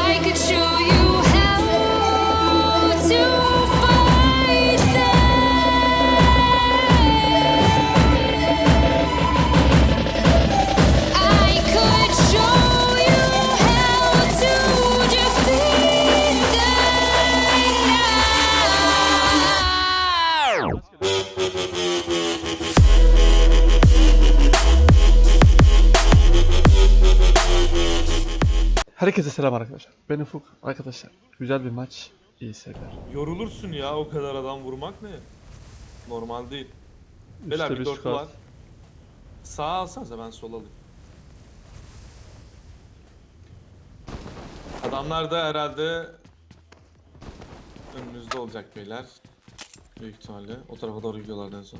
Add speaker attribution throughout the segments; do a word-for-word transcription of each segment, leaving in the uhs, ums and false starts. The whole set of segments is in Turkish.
Speaker 1: I could show you how to fight them. I could show you how to defeat them now.
Speaker 2: Herkese selam arkadaşlar. Ben Ufuk. Arkadaşlar güzel bir maç. İyi seyirler.
Speaker 3: Yorulursun ya o kadar adam vurmak ne? Normal değil. Beyler bir
Speaker 2: bir
Speaker 3: dörtlü
Speaker 2: squad.
Speaker 3: var. Sağa alsanıza ben sol alayım. Adamlar da herhalde önünüzde olacak beyler. Büyük ihtimalle. O tarafa doğru gidiyorlar en son.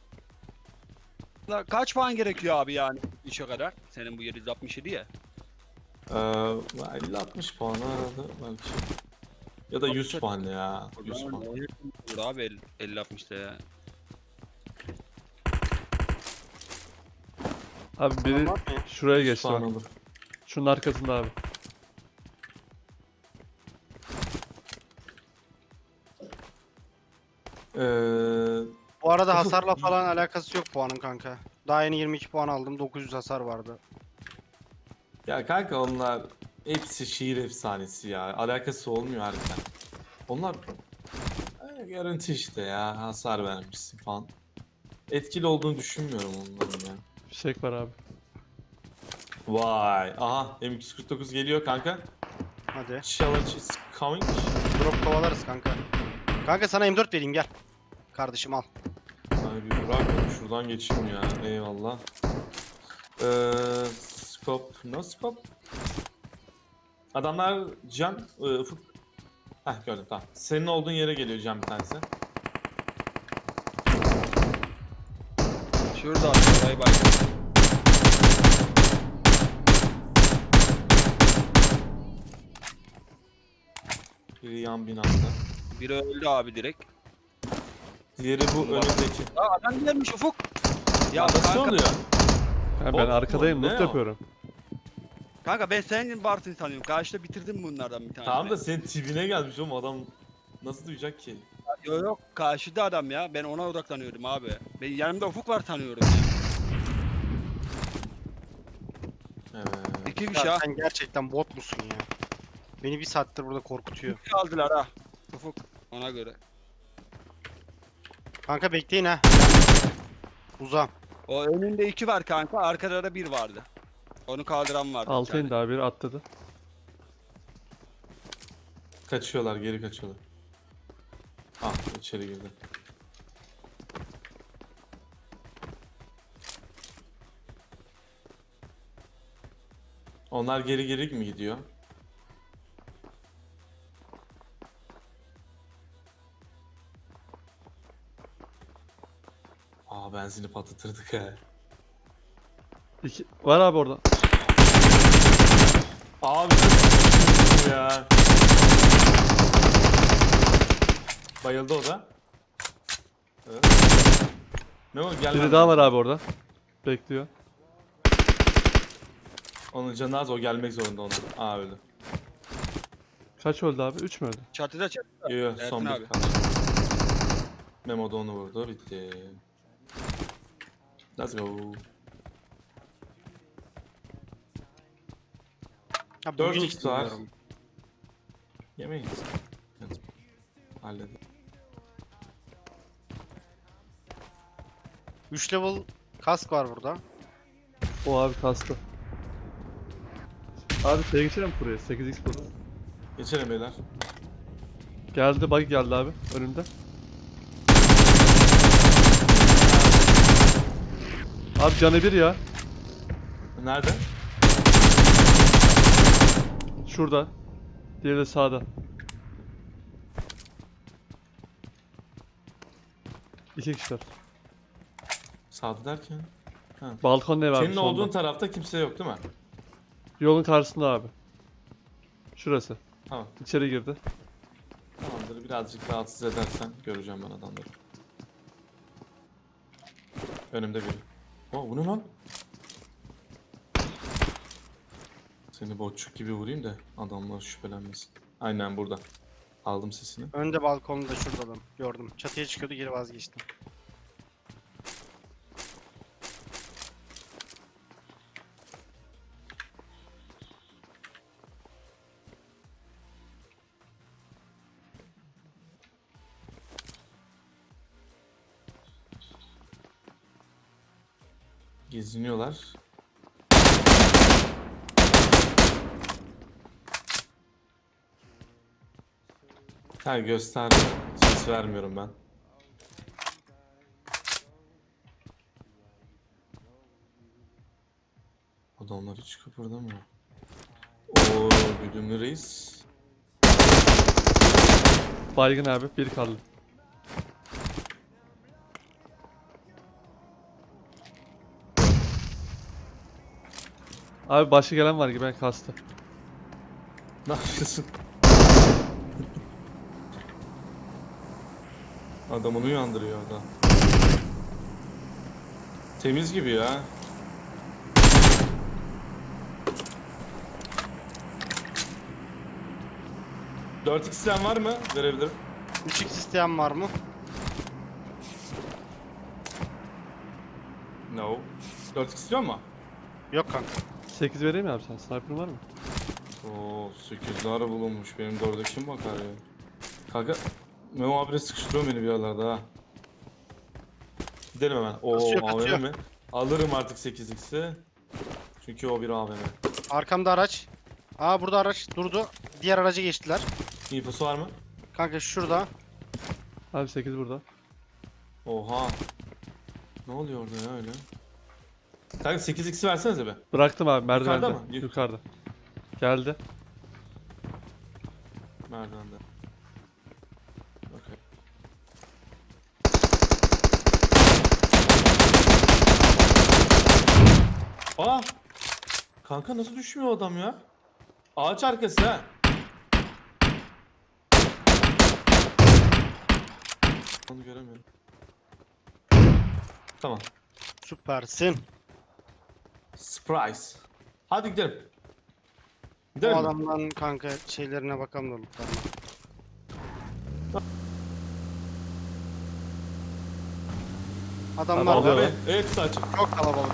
Speaker 4: La kaç puan gerekiyor abi yani işe kadar? Senin bu yedi yüz altmış yedi ya.
Speaker 3: Ee, elli altmış puan herhalde belki. Ya da yüz puan ya. yüz puan.
Speaker 4: Olur abi elli altmışta ya.
Speaker 2: Abi biri şuraya
Speaker 3: yüz
Speaker 2: geçti
Speaker 3: puan
Speaker 2: bak.
Speaker 3: olur.
Speaker 2: Şunun arkasında abi.
Speaker 3: Ee,
Speaker 5: Bu arada hasarla falan alakası yok puanın kanka. Daha yeni yirmi iki puan aldım. dokuz yüz hasar vardı.
Speaker 3: ya kanka onlar hepsi şiir efsanesi ya. Alakası olmuyor harbiden. Onlar e, görüntü işte ya. Hasar vermişsin falan. Etkili olduğunu düşünmüyorum onların ya.
Speaker 2: Fişek var abi.
Speaker 3: Vay. Aha M iki yüz kırk dokuz geliyor kanka.
Speaker 5: Hadi.
Speaker 3: Challenge is coming.
Speaker 5: Drop kovalarız kanka. Kanka sana M dört vereyim gel. Kardeşim al.
Speaker 3: Ay bir bırak beni şuradan geçeyim ya. Eyvallah. Ee, scope. No scope. Adamlar Can, e, Ufuk. Heh gördüm tamam. Senin olduğun yere geliyor Can bir tanesi.
Speaker 4: Şurada abi bay bay.
Speaker 3: Biri yan binada.
Speaker 4: Biri öldü abi direkt.
Speaker 3: Diğeri bu önündeki.
Speaker 4: Aa adam gelmiş Ufuk.
Speaker 3: Ya
Speaker 4: Ya
Speaker 3: nasıl
Speaker 4: kanka,
Speaker 3: oluyor?
Speaker 2: Ha, ben
Speaker 3: Bot mu?
Speaker 2: arkadayım,
Speaker 3: Ne
Speaker 2: loot
Speaker 3: o?
Speaker 2: yapıyorum.
Speaker 4: kanka ben senin varsın sanıyorum. Karşıda bitirdim bunlardan bir tane.
Speaker 3: Tamam da senin tipine gelmiş oğlum adam nasıl duyacak ki?
Speaker 4: Yok yok karşıda adam ya. Ben ona odaklanıyordum abi. Ben yanımda Ufuk var sanıyorum ya.
Speaker 3: Evet.
Speaker 4: İki kişi
Speaker 5: Ya
Speaker 4: ha.
Speaker 5: sen gerçekten bot musun ya? Beni bir saattir burada korkutuyor.
Speaker 4: İki aldılar ha. Ufuk ona göre.
Speaker 5: Kanka bekleyin ha. Uzam.
Speaker 4: O önünde iki var kanka. Arkada da bir vardı. Onu kaldıran vardı. bir
Speaker 2: Altı
Speaker 4: tane.
Speaker 2: indi abi, biri atladı.
Speaker 3: Kaçıyorlar geri kaçıyorlar. Ah içeri girdi. Onlar geri geri mi gidiyor? Aa benzini patlatırdık he.
Speaker 2: İki... Var abi orada.
Speaker 3: Abi çok ya. Bayıldı o da. Evet. Ne o gelmedi.
Speaker 2: Biri daha var abi orada. Bekliyor.
Speaker 3: Onun canı az o gelmek zorunda ona. Aa öldü.
Speaker 2: Kaç öldü abi? Üç mü öldü?
Speaker 4: Çatıda çatıda.
Speaker 3: Yo yo
Speaker 4: Ersin
Speaker 3: son bir
Speaker 4: abi.
Speaker 3: kaldı. Memo da onu vurdu bitti. Let's go.
Speaker 5: Ya
Speaker 3: Dört
Speaker 5: bugün
Speaker 3: X
Speaker 5: hiç
Speaker 3: var.
Speaker 5: bilmiyorum.
Speaker 3: Yemeyiz. Evet. Halledim.
Speaker 5: üç level kask var burada.
Speaker 2: O abi kastı. Abi şeye geçelim buraya. sekiz x burada.
Speaker 3: Geçelim beyler.
Speaker 2: Geldi, bug geldi abi önümde. Abi canı bir ya.
Speaker 3: Nerede?
Speaker 2: Şurada. Diğeri de sağda. İki kişiler.
Speaker 3: Sağda derken.
Speaker 2: Balkon ne var?
Speaker 3: Senin olduğun tarafta kimse yok değil mi?
Speaker 2: Yolun karşısında abi. Şurası.
Speaker 3: Tamam.
Speaker 2: İçeri girdi.
Speaker 3: Tamamdır. Birazcık rahatsız edersen göreceğim ben adamları. Önümde biri. Oh bu ne lan? Seni botçuk gibi vurayım da adamlar şüphelenmesin. Aynen burada. Aldım sesini.
Speaker 5: Önde balkonda şurada adam. Gördüm. Çatıya çıkıyordu geri vazgeçtim.
Speaker 3: Geziniyorlar. Ha göster. Ses vermiyorum ben. Adamlar hiç kıpırdamıyor. Oo güdümlü reis.
Speaker 2: Baygın abi. Bir kaldı. Abi başı gelen var gibi ben kastı.
Speaker 3: Ne yapıyorsun? Adam onu uyandırıyor adam. Temiz gibi ya. dört x var mı? Verebilirim.
Speaker 5: üç x isteyen var mı?
Speaker 3: No. dört x istiyor mu?
Speaker 5: Yok kanka.
Speaker 2: sekiz vereyim mi abi sen? Sniper'ın var mı?
Speaker 3: Oo sekizler bulunmuş. Benim dörde kim bakar ya? Kanka Memo abire sıkıştırıyor beni bir yerlerde ha. Gidelim hemen. Oo
Speaker 5: Kasıyor,
Speaker 3: A V
Speaker 5: kasıyor.
Speaker 3: M mi? Alırım artık sekiz x'i. Çünkü o bir A V M.
Speaker 5: Arkamda araç. Aa burada araç durdu. Diğer araca geçtiler.
Speaker 3: İnfosu var mı?
Speaker 5: Kanka şurada.
Speaker 2: Abi sekiz burada.
Speaker 3: Oha. Ne oluyor orada ya öyle? Kanka sekiz x'i versenize be.
Speaker 2: Bıraktım abi merdivende.
Speaker 3: Yukarıda mı? Yuk-
Speaker 2: Yukarıda. Geldi.
Speaker 3: Merdivende. Okey. Aa! Kanka nasıl düşmüyor o adam ya? Ağaç arkası ha. Onu göremiyorum. Tamam.
Speaker 5: Süpersin.
Speaker 3: Surprise. Hadi gidelim.
Speaker 5: O
Speaker 3: Gidelim mi?
Speaker 5: adamdan kanka şeylerine bakalım da lootlarına. Adamlar
Speaker 2: Abi,
Speaker 5: var.
Speaker 2: alıyor.
Speaker 3: Evet, evet saçım.
Speaker 5: Çok kalabalık.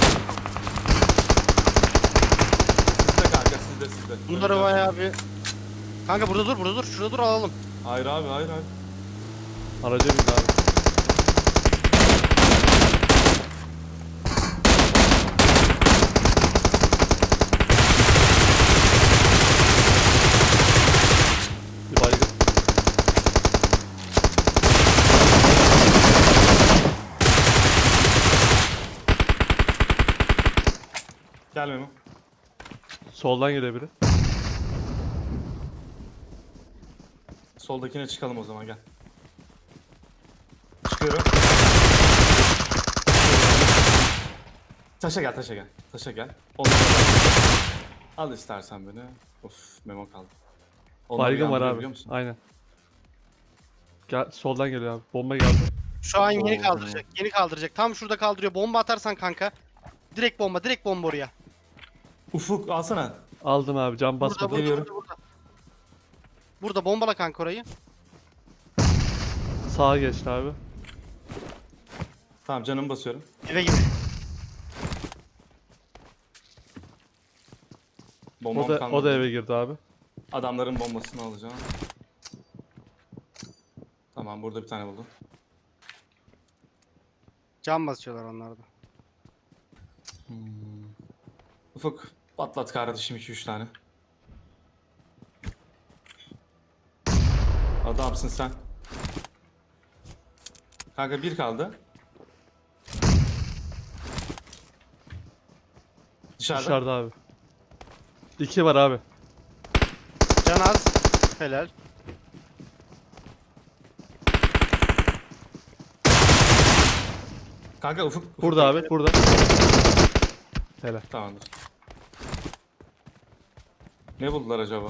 Speaker 3: Sizde kanka sizde sizde.
Speaker 5: Bunları
Speaker 3: Evet,
Speaker 5: bayağı bir... Kanka burada dur, burada dur. Şurada dur alalım.
Speaker 3: Hayır abi hayır hayır.
Speaker 2: Araca bindi abi. Bir baygın.
Speaker 3: Gel Memo.
Speaker 2: Soldan geliyor biri.
Speaker 3: Soldakine çıkalım o zaman gel. Çıkıyorum. Taşa gel taşa gel. Taşa gel. Onları al. Al istersen beni. Of Memo kaldı. Onları
Speaker 2: Baygın var
Speaker 3: yandırıyor
Speaker 2: abi.
Speaker 3: biliyor musun?
Speaker 2: Aynen. Gel, soldan geliyor abi. Bomba geldi.
Speaker 5: Şu an yeni
Speaker 3: Oo,
Speaker 5: kaldıracak. Yeni kaldıracak. Tam şurada kaldırıyor. Bomba atarsan kanka. Direkt bomba, direkt bomba oraya.
Speaker 3: Ufuk alsana.
Speaker 2: Aldım abi. Cam
Speaker 5: Burada,
Speaker 2: basmadı.
Speaker 5: burada,
Speaker 3: Geliyorum.
Speaker 5: burada, burada. Burada bombala kanka orayı.
Speaker 2: Sağa geçti abi.
Speaker 3: Tamam canımı basıyorum.
Speaker 5: Eve gir.
Speaker 3: Bombam
Speaker 2: O da,
Speaker 3: kalmadı.
Speaker 2: o da eve girdi abi.
Speaker 3: Adamların bombasını alacağım. Tamam burada bir tane buldum.
Speaker 5: Cam basıyorlar onlar da.
Speaker 3: Ufuk patlat kardeşim iki üç tane. Adamsın sen. Kanka bir kaldı. Dışarıda.
Speaker 2: Dışarıda abi. İki var abi.
Speaker 5: Can az. Helal.
Speaker 3: Kanka Ufuk. Ufuk
Speaker 2: Burada
Speaker 3: bekle.
Speaker 2: abi. Burada. Helal.
Speaker 3: Tamamdır. Ne buldular acaba?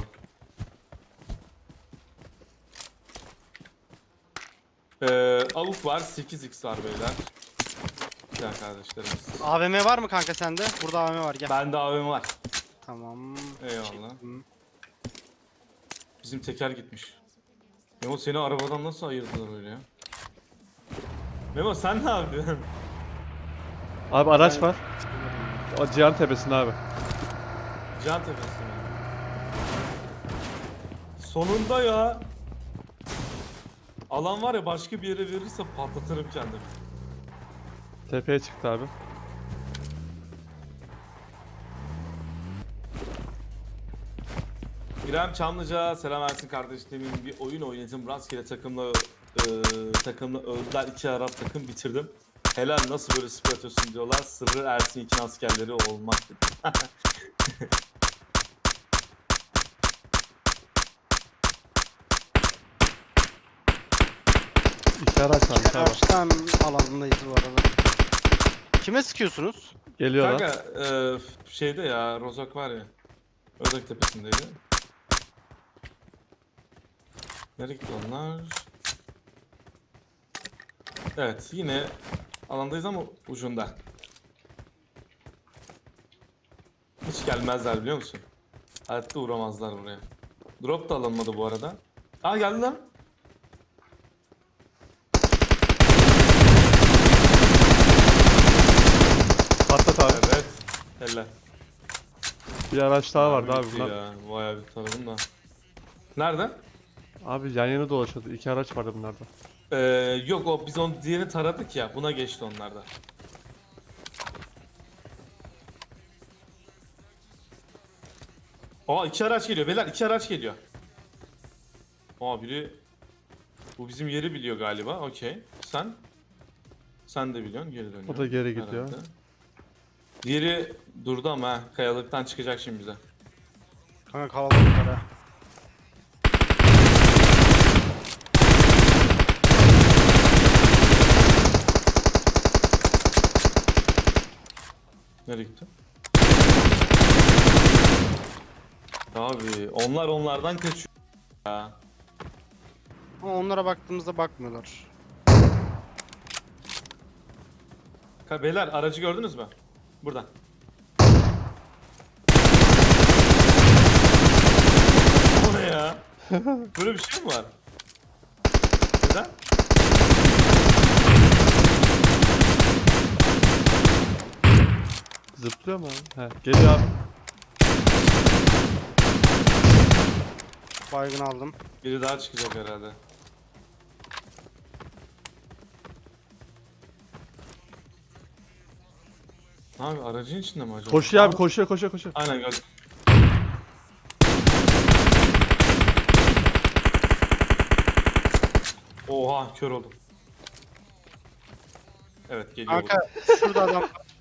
Speaker 3: Ee, avuk var, sekiz x var beyler. Güzel kardeşlerimiz.
Speaker 5: A V M var mı kanka sende? Burada A V M var gel.
Speaker 3: Bende A V M var.
Speaker 5: Tamam.
Speaker 3: Eyvallah.
Speaker 5: Çektim.
Speaker 3: Bizim teker gitmiş. Memo seni arabadan nasıl ayırdılar öyle ya? Memo sen ne yapıyorsun?
Speaker 2: Abi araç
Speaker 5: Ben-
Speaker 2: var. O Cihan tepesinde abi.
Speaker 3: Can tepesi mi? Sonunda ya. Alan var ya başka bir yere verirse patlatırım kendimi.
Speaker 2: Tepeye çıktı abi.
Speaker 3: İrem Çamlıca, selam Ersin kardeşlerim. Bir oyun oynadım. Rastgele takımla e, takımla öldüler. iki Arap takım bitirdim. Helal nasıl böyle spor atıyorsun diyorlar. Sırrı Ersin için askerleri olmak.
Speaker 2: İki araç varmış abi.
Speaker 5: Araçtan alanındayız bu arada. Kime sıkıyorsunuz?
Speaker 2: Geliyorlar.
Speaker 3: Kanka e, şeyde ya Rozok var ya. Özak tepesindeydi. Nereye gitti onlar? Evet yine alandayız ama ucunda. Hiç gelmezler biliyor musun? Hayatta uğramazlar buraya. Drop da alınmadı bu arada. Aa geldi lan.
Speaker 2: Patlat abi.
Speaker 3: Evet. Helal.
Speaker 2: Bir araç daha vardı abi
Speaker 3: Bitti
Speaker 2: bunlar.
Speaker 3: ya. Bayağı bir taradım da. Nerede?
Speaker 2: Abi yan yana dolaşıyordu. İki araç vardı bunlarda.
Speaker 3: Ee, yok o biz onu diğerini taradık ya. Buna geçti onlarda. Aa iki araç geliyor. Beyler iki araç geliyor. Aa biri bu bizim yeri biliyor galiba. Okey. Sen? Sen de biliyorsun. Geri dönüyor.
Speaker 2: O da geri gidiyor.
Speaker 3: Herhalde. Diğeri durdu ama ha, kayalıktan çıkacak şimdi bize.
Speaker 5: Kanka kalabalıklar ha.
Speaker 3: Nereye gitti? Abi onlar onlardan kaçıyor ya.
Speaker 5: Ama onlara baktığımızda bakmıyorlar.
Speaker 3: Ka- Beyler aracı gördünüz mü? Buradan. O ne ya? Böyle bir şey mi var? Neden?
Speaker 2: Zıplıyor mu abi? He. Geliyor abi.
Speaker 5: Baygın aldım.
Speaker 3: Biri daha çıkacak herhalde. Abi aracın içinde mi acaba?
Speaker 2: Koşuyor abi
Speaker 3: Aa,
Speaker 2: koşuyor koşuyor koşuyor.
Speaker 3: Aynen gördüm. Oha kör oldum. Evet geliyor.
Speaker 5: Kanka şurada adam.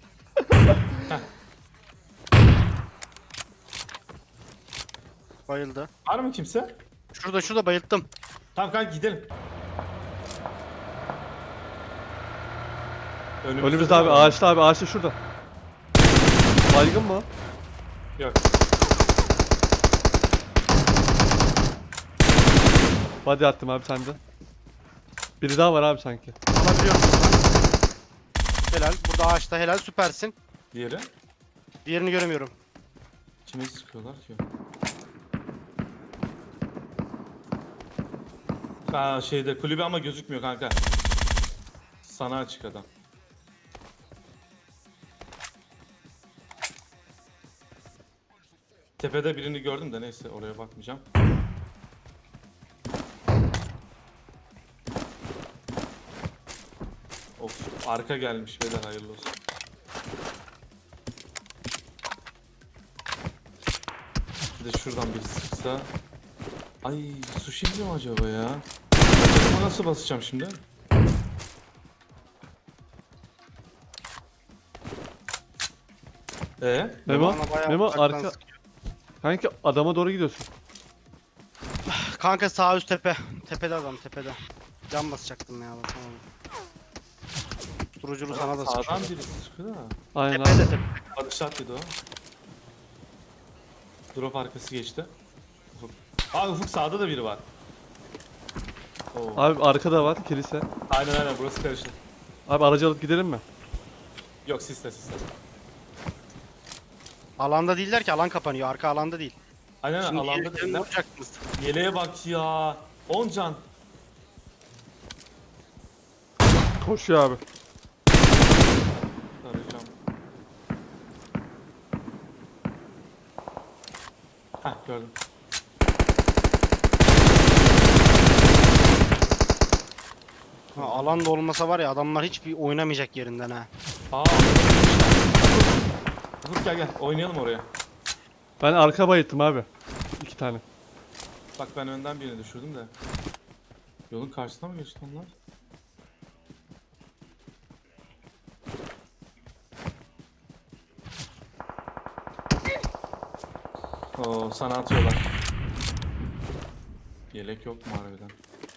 Speaker 5: Bayıldı.
Speaker 3: Var mı kimse?
Speaker 5: Şurada şurada bayılttım.
Speaker 3: Tamam kanka gidelim. Önümüzde,
Speaker 2: Önümüzde abi
Speaker 3: var.
Speaker 2: ağaçta abi ağaçta şurada. Baygın mı? o?
Speaker 3: Yok.
Speaker 2: Body attım abi sende. Biri daha var abi sanki.
Speaker 5: Alabiliyorum. Helal. Burada ağaçta helal. Süpersin.
Speaker 3: Diğeri.
Speaker 5: Diğerini göremiyorum.
Speaker 3: Kime sıkıyorlar ki? Aa şeyde kulübe ama gözükmüyor kanka. Sana açık adam. Tepede birini gördüm de neyse oraya bakmayacağım. Of arka gelmiş beyler hayırlı olsun. Bir de şuradan biri sıksa. Ay sushi mi acaba ya? Acaba nasıl basacağım şimdi? Ee?
Speaker 2: Memo,
Speaker 5: Bana bayağı
Speaker 2: Memo
Speaker 5: uzaktan
Speaker 2: arka.
Speaker 5: sıkıyor.
Speaker 2: Kanki adama doğru gidiyorsun.
Speaker 5: Kanka sağ üst tepe. Tepede adam tepede. Can basacaktım ya. Basamadım. Duruculu sana da
Speaker 3: Sağdan
Speaker 5: sıkıyor.
Speaker 3: biri sıkıyor da.
Speaker 2: Aynen abi.
Speaker 5: Tepede tepe.
Speaker 3: Atış attıydı o. Drop arkası geçti. Ufuk. Aa Ufuk sağda da biri var. Oo.
Speaker 2: Abi arkada var kilise.
Speaker 3: Aynen aynen burası karıştı.
Speaker 2: Abi aracı alıp gidelim mi?
Speaker 3: Yok sisle sisle.
Speaker 5: Alanda değiller ki, alan kapanıyor. Arka alanda değil.
Speaker 3: Aynen
Speaker 5: Şimdi
Speaker 3: alanda
Speaker 5: gelirken
Speaker 3: değiller.
Speaker 5: vuracaktınız.
Speaker 3: Yeleğe bak ya. on can.
Speaker 2: Koşuyor abi.
Speaker 3: Arayacağım. Heh gördüm.
Speaker 5: Ha, alanda olmasa var ya, adamlar hiçbir oynamayacak yerinden ha.
Speaker 3: Aa. Ufuk gel gel oynayalım oraya.
Speaker 2: Ben arka bayıttım abi. İki tane.
Speaker 3: Bak ben önden birini düşürdüm de. Yolun karşısına mı geçti onlar? Oo sana atıyorlar. Yelek yok mu harbiden?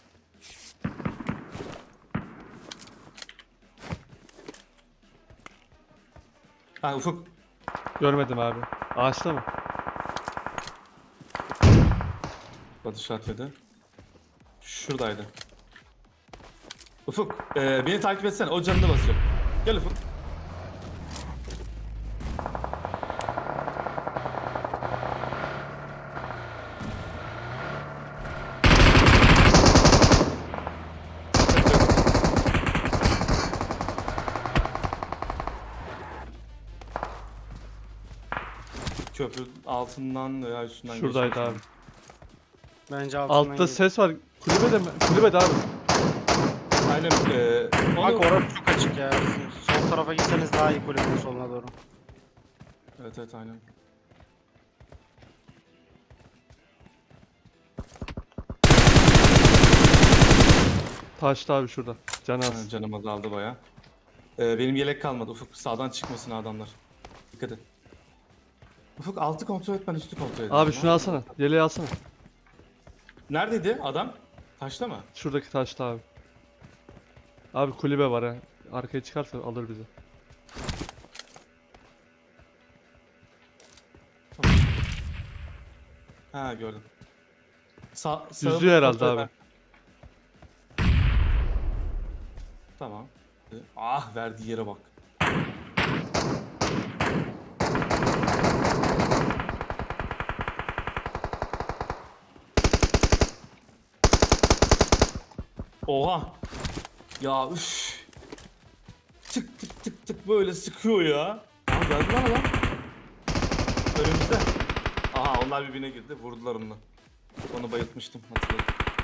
Speaker 3: Ha Ufuk.
Speaker 2: Görmedim abi. Ağaçta mı?
Speaker 3: Body shot yedi. Şuradaydı. Ufuk, e, beni takip etsene. O canını basıyor. Gel Ufuk. Köprü altından veya üstünden
Speaker 2: Şuradaydı
Speaker 3: geçmiş.
Speaker 2: abi.
Speaker 5: Bence altından
Speaker 2: Altta
Speaker 5: geliyor.
Speaker 2: ses var. Kulübede mi? Kulübede abi.
Speaker 3: Aynen. E,
Speaker 5: Bak
Speaker 3: onu...
Speaker 5: orası çok açık ya. Sol tarafa gitseniz daha iyi, kulübün soluna doğru.
Speaker 3: Evet evet aynen.
Speaker 2: Taştı abi şurada. Can
Speaker 3: Ha,
Speaker 2: az.
Speaker 3: canım azaldı baya. Ee, benim yelek kalmadı. Ufuk sağdan çıkmasın adamlar. Dikkat et. Ufuk altı kontrol et ben üstü kontrol edeyim.
Speaker 2: Abi şunu alsana. Yeleği alsana.
Speaker 3: Neredeydi adam? Taşta mı?
Speaker 2: Şuradaki taşta abi. Abi kulübe var ha. Arkaya çıkarsa alır bizi.
Speaker 3: Ha gördüm. Sa sağı
Speaker 2: Yüzüyor herhalde
Speaker 3: kontrol
Speaker 2: abi.
Speaker 3: et. Tamam. Ah verdiği yere bak. Oha. Ya üf. Tık tık tık tık böyle sıkıyor ya. Aa geldi lan adam. Önümüzde. Aha onlar birbirine girdi. Vurdular onu. Onu bayıltmıştım hatırladım.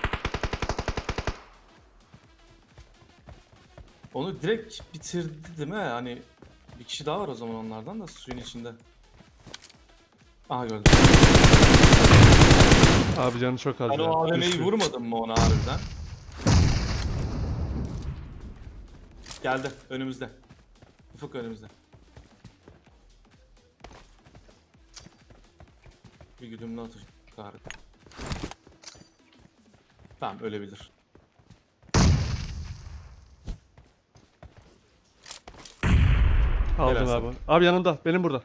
Speaker 3: Onu direkt bitirdi değil mi? Hani bir kişi daha var o zaman onlardan da suyun içinde. Aha gördüm.
Speaker 2: Abi canı çok az
Speaker 3: Ben
Speaker 2: ya.
Speaker 3: o A V M'yi
Speaker 2: Düştü.
Speaker 3: vurmadım mı ona harbiden? Geldi önümüzde. Ufuk önümüzde. Bir güdümlü atış. Tarık. Tamam ölebilir.
Speaker 2: Aldım
Speaker 3: Helal
Speaker 2: abi. Abi yanında. Benim burada.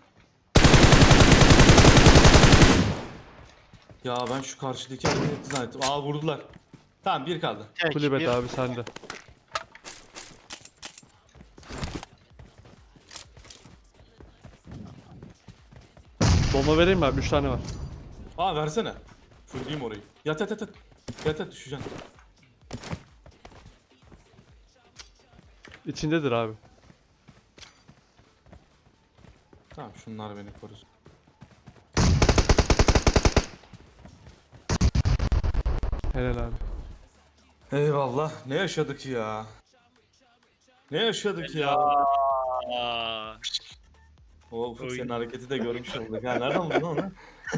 Speaker 3: Ya ben şu karşıdaki hareket etti zannettim. Aa vurdular. Tamam bir kaldı.
Speaker 5: Tek,
Speaker 2: Kulübede
Speaker 5: bir.
Speaker 2: abi sende. Bomba vereyim mi abi? üç tane var.
Speaker 3: Aa versene. Fulleyim orayı. Yat yat yat yat. Yat yat düşeceksin.
Speaker 2: İçindedir abi.
Speaker 3: Tamam şunlar beni korusun.
Speaker 2: Helal abi.
Speaker 3: Eyvallah. Ne yaşadık ya? Ne yaşadık ya?
Speaker 4: Aa.
Speaker 3: O Ufuk
Speaker 4: Oy.
Speaker 3: senin hareketi de görmüş olduk. Ha nereden buldun onu?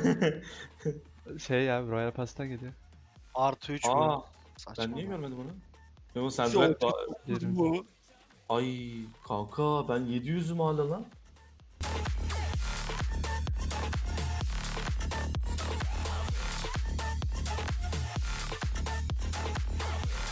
Speaker 2: Şey ya Royal Pass'tan geliyor.
Speaker 5: Artı üç mü?
Speaker 3: Aa
Speaker 5: Saçma.
Speaker 3: ben niye görmedim onu? Yo sen
Speaker 4: Yok.
Speaker 3: de
Speaker 2: Yerim.
Speaker 4: Bu.
Speaker 3: ay kanka ben yedi yüzüm hala lan.